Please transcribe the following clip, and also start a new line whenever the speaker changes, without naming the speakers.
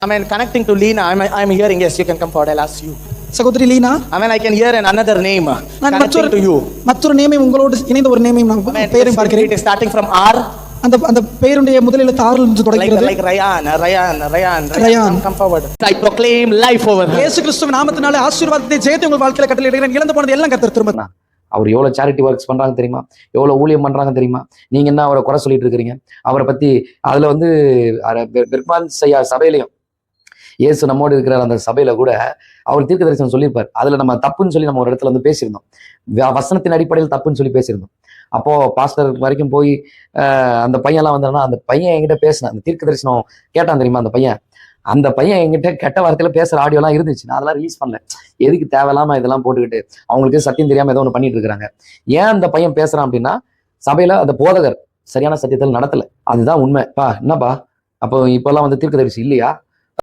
I mean, connecting to Lena, I'm hearing, yes, you can come forward, I'll ask you.
சகோதரி Leena,
I mean, I can hear another name
நான்
connecting to you.
மற்றொரு நேமையும் உங்களோடு இணைந்த ஒரு நேமையும்
I mean,
நான் பெயரையும் பார்க்கிறேன்.
it is starting from R.
அந்த பெயருடைய முதல் எழுத்து ஆறில் இருந்து தொடங்குகிறது.
Like Ryan.
Ryan.
Come forward. I proclaim life over her.
இயேசு கிறிஸ்துவின் நாமத்தினாலே ஆசீர்வாதத்தை ஜெயத்தை உங்கள் வாழ்க்கையில கட்டளையிடுகிறேன். இழந்து போனது எல்லாம் கர்த்தர் திரும்ப.
அவர் எவ்வளவு சேரிட்டி ஒர்க்ஸ் பண்றாங்க தெரியுமா, எவ்வளவு ஊழியம் பண்றாங்க தெரியுமா. நீங்க என்ன அவரை குறை சொல்லிட்டு இருக்கிறீங்க? அவரை பத்தி அதுல வந்து பெர்க்மான் சபையிலையும் இயேசு நம்மோடு இருக்கிற அந்த சபையில கூட அவர் தீர்க்க தரிசனம் சொல்லியிருப்பார். அதுல நம்ம தப்புன்னு சொல்லி நம்ம ஒரு இடத்துல வந்து பேசியிருந்தோம், வசனத்தின் அடிப்படையில் தப்புன்னு சொல்லி பேசியிருந்தோம். அப்போ பாஸ்டர் வரைக்கும் போய் அந்த பையன்லாம் வந்தாருன்னா, அந்த பையன் என்கிட்ட பேசினேன், அந்த தீர்க்க தரிசனம் கேட்டான் தெரியுமா, அந்த பையன் என்கிட்ட கெட்ட வார்த்தையில பேசுற ஆடியோலாம் இருந்துச்சு. நான் அதெல்லாம் ரிலீஸ் பண்ணல. எதுக்கு தேவையில்லாம இதெல்லாம் போட்டுக்கிட்டு அவங்களுக்கு சத்தியம் தெரியாம ஏதோ ஒன்று பண்ணிட்டு இருக்கிறாங்க. ஏன் அந்த பையன் பேசுறான் அப்படின்னா, சபையில அந்த போதகர் சரியான சத்தியத்தில் நடத்தல. அதுதான் உண்மை. என்னப்பா அப்போ இப்பெல்லாம் வந்து தீர்க்க தரிசி இல்லையா?